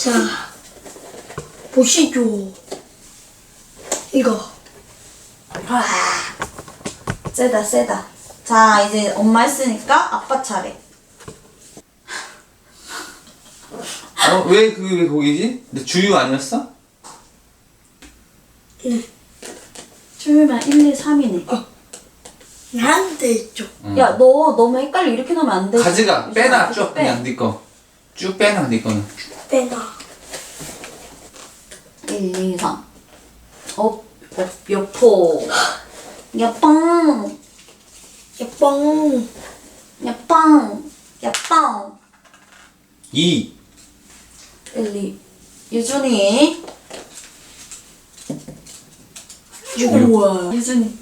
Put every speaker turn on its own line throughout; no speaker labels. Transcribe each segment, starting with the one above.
자, 보시죠. 이거.
와, 세다 세다. 자, 이제 엄마 했으니까 아빠 차례.
왜 거기지? 근데 주유 아니었어?
네.
주유면 1, 2, 3이네.
나한테 있죠.
야, 너 너무 헷갈려. 이렇게 놓으면 안 돼.
가지가 빼놔 쭉 그냥 네 거. 쭉 빼놔 네 거는.
빼놔.
1, 2, 3. 여포. 야빵.
예뻐.
야빵. 야빵.
2.
1, 2. 유준이. 우와. 유준이.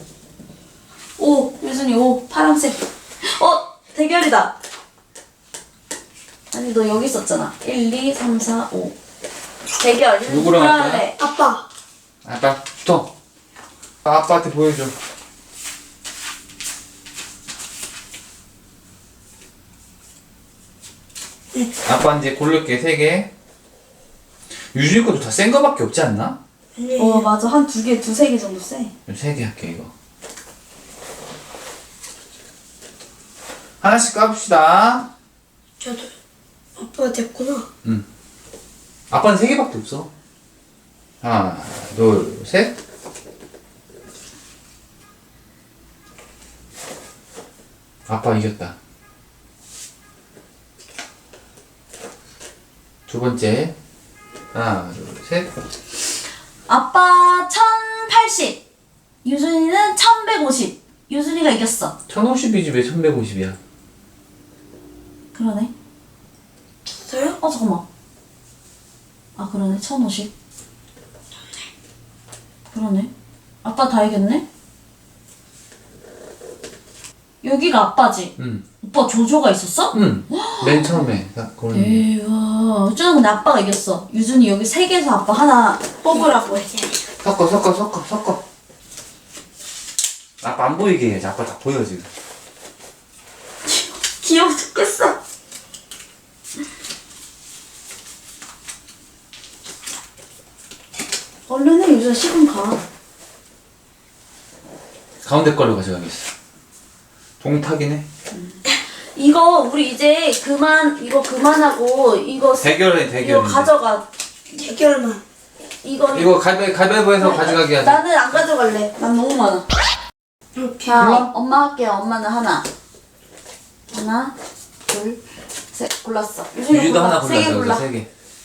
오, 유준이 오. 파란색. 대결이다. 아니, 너 여기 있었잖아. 1, 2, 3, 4, 5. 대결.
누구랑 할 거야?
할래?
아빠.
아빠 붙어. 아빠한테 보여줘. 아빠 이제 고를게 3개. 유준이 것도 다 센 거밖에 없지 않나?
아니에요.
맞아. 한 2개, 2-3개 정도 세.
3개 할게 이거. 하나씩 까봅시다.
저도. 아빠가 됐구나.
응. 아빠는 3개밖에 없어. 하나, 둘, 셋. 아빠 이겼다. 두 번째. 하나, 둘, 셋.
아빠 1080. 유준이는 1150. 유준이가 이겼어.
1050이지 왜 1150이야?
그러네.
됐어요?
잠깐만. 아, 그러네. 1050. 그러네. 아빠 다 이겼네? 여기가 아빠지?
응.
오빠 조조가 있었어?
응. 맨 처음에. 그러네.
대박. 어쩌면 근데 아빠가 이겼어. 유준이 여기 3개에서 아빠 하나 뽑으라고 해.
섞어. 아빠 안 보이게 해야지. 아빠 다 보여 지금.
귀여워 죽겠어. 얼른 해. 유준아 시간 가.
가운데 걸로 가져가겠어. 동탁이네.
이거 우리 이제 이거 그만하고 이거
대결해.
이거 가져가.
대결만.
이거 가위바위보해서 가져가게 하자.
나는 안 가져갈래. 난 너무 많아. 자,
골라?
엄마 할게요. 엄마는 하나, 둘, 셋. 골랐어.
유주도 하나 골라.
3개 골라.
3개.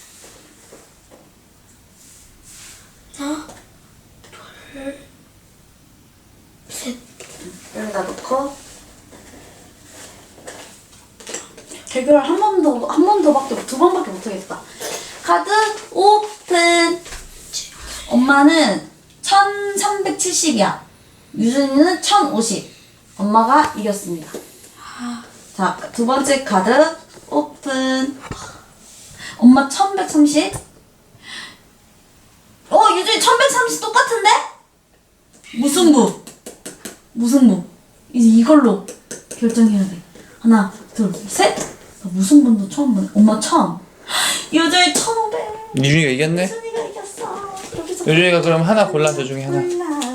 하나, 둘, 셋.
여기다 놓고 대결 한 번 더밖에 두 번밖에 못 하겠다. 카드 오픈. 엄마는 1370이야. 유준이는 1050. 엄마가 이겼습니다. 자, 두 번째 카드 오픈. 엄마 1130. 유준이 1130 똑같은데? 무승부. 이제 이걸로 결정해야 돼. 하나, 둘, 셋. 나 무승부도 처음 보네. 엄마 1000. 유준이 1500.
유준이가 이겼네?
유준이가 이겼어. 여기서
유준이가 그럼 하나 골라. 저 중에 하나.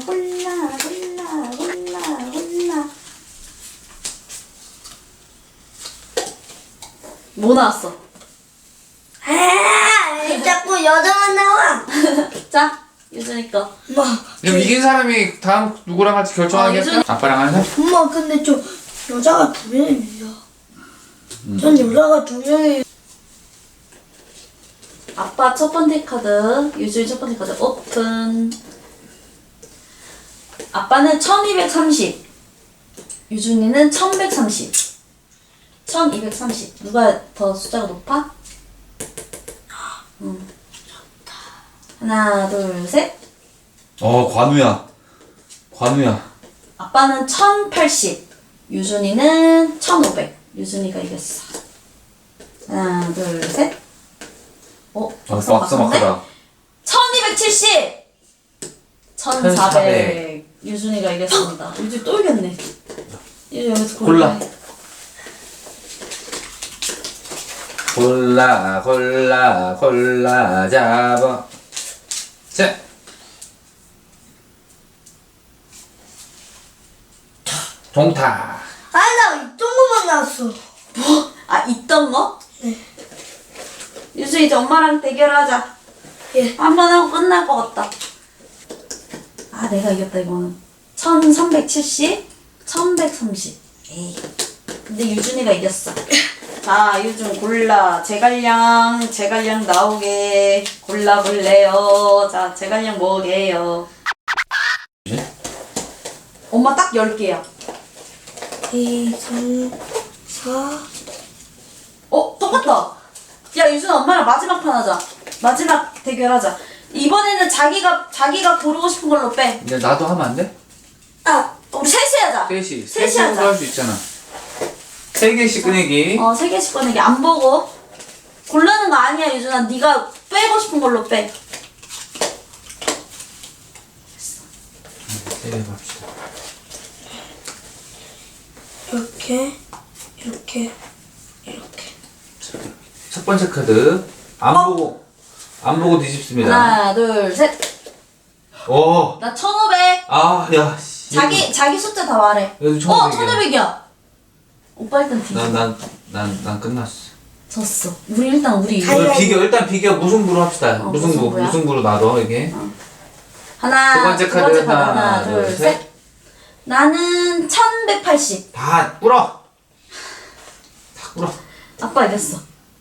골라. 뭐 나왔어?
왜 자꾸 여자만 나와?
자, 유준이 거.
엄마.
그럼 이긴 사람이 다음 누구랑 할지 결정하겠어? 아빠랑 할래?
엄마 근데 저 여자가 2명이에요. 전 여자가 2명이에요.
아빠 첫 번째 카드, 유준이 첫 번째 카드 오픈. 아빠는 1230. 유준이는 1130. 1230. 누가 더 숫자가 높아? 하나, 둘, 셋.
관우야.
아빠는 1080. 유준이는 1500. 유준이가 이겼어. 하나, 둘, 셋.
박사 막하다.
1270. 1400. 유준이가 이겼습니다. 유준이 또 이겼네. 유준이 여기서
골라. 골라 골라 골라 잡아. 자. 종타.
아니 나 이런 거만 나왔어.
뭐? 아 있던 거?
네.
유주 이제 엄마랑 대결하자.
예.
한 번 하고 끝날 것 같다. 아 내가 이겼다 이거는. 1370, 1130. 에이. 근데 유준이가 이겼어. 자 유준 골라. 제갈량 나오게 골라볼래요. 자 제갈량 뭐게요? 엄마 딱 10개야.
2, 3, 4.
똑같다. 야 유준아 엄마랑 마지막 판 하자. 마지막 대결하자. 이번에는 자기가 고르고 싶은 걸로 빼.
근데 나도 하면 안 돼?
아,
우리 셋이 하자.
셋이.
셋이
셋으로
하자.
할 수 있잖아. 3개씩 꺼내기.
3개씩 꺼내기. 안 보고. 고르는 거 아니야 유준아. 네가 빼고 싶은 걸로 빼.
3개 갑시다.
이렇게.
첫 번째 카드. 안 보고 뒤집습니다.
하나 둘 셋.
오.
나 1500.
아, 야. 씨.
자기 숫자 다 말해.
여기 1500 이야.
1500이야. 오빠 일단 뒤집어.
난 끝났어.
졌어. 우리 이거.
일단 비교 무승부로 합시다.
무승부야?
무승부로 놔둬, 이게.
하나.
두 번째 카드. 하나,
둘,
둘,
셋.
셋.
나는 1180.
다 꿇어. 다 꿇어.
아빠 이겼어.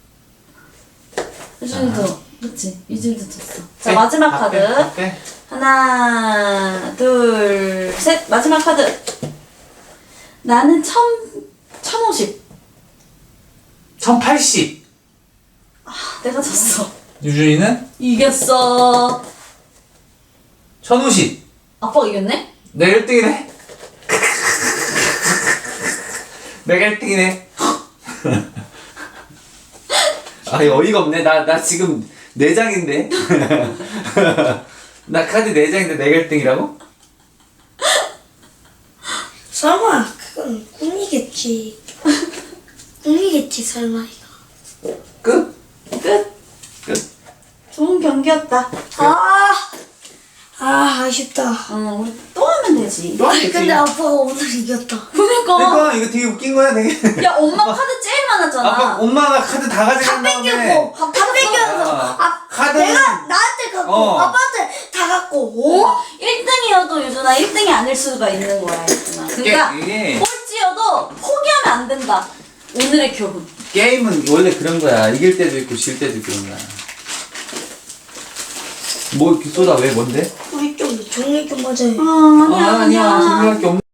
유준이도 그치? 유준이도 졌어. 자
빼.
마지막
다
카드.
빼, 다 빼.
하나 둘 셋. 마지막 카드. 나는 1050.
1080.
내가 졌어.
유준이는
이겼어.
1050.
아빠가 이겼네?
내가 1등이네. 내가 1등이네. 아, 이거 어이가 없네. 나 지금 4장인데. 나 카드 4장인데 내가 1등이라고?
설마 그건 꿈이겠지. 꿈이겠지 설마 이거.
끝?
끝.
끝.
좋은 경기였다.
아쉽다.
우리 또 하면 되지.
또 하겠지.
근데 아빠가 오늘 이겼다.
그러니까.
그러니까 이거 되게 웃긴 거야, 되게.
야 엄마 카드 제일 많았잖아.
아빠, 엄마가 카드 다 가져간
다
다음에
뺏겼고, 다 뺏겨서.
카드는-
내가 나한테 갖고, 아빠한테 다 갖고.
1등이어도 유준아 1등이 아닐 수가 있는 거야 유준아. 그러니까
이게
꼴찌여도 포기하면 안 된다. 오늘의 교훈.
게임은 원래 그런 거야. 이길 때도 있고 질 때도 있고 그런 거야. 뭐 이렇게 쏟아 왜 뭔데?
우리 좀 종이 좀 맞아요.
아니야.
생각할 게 없는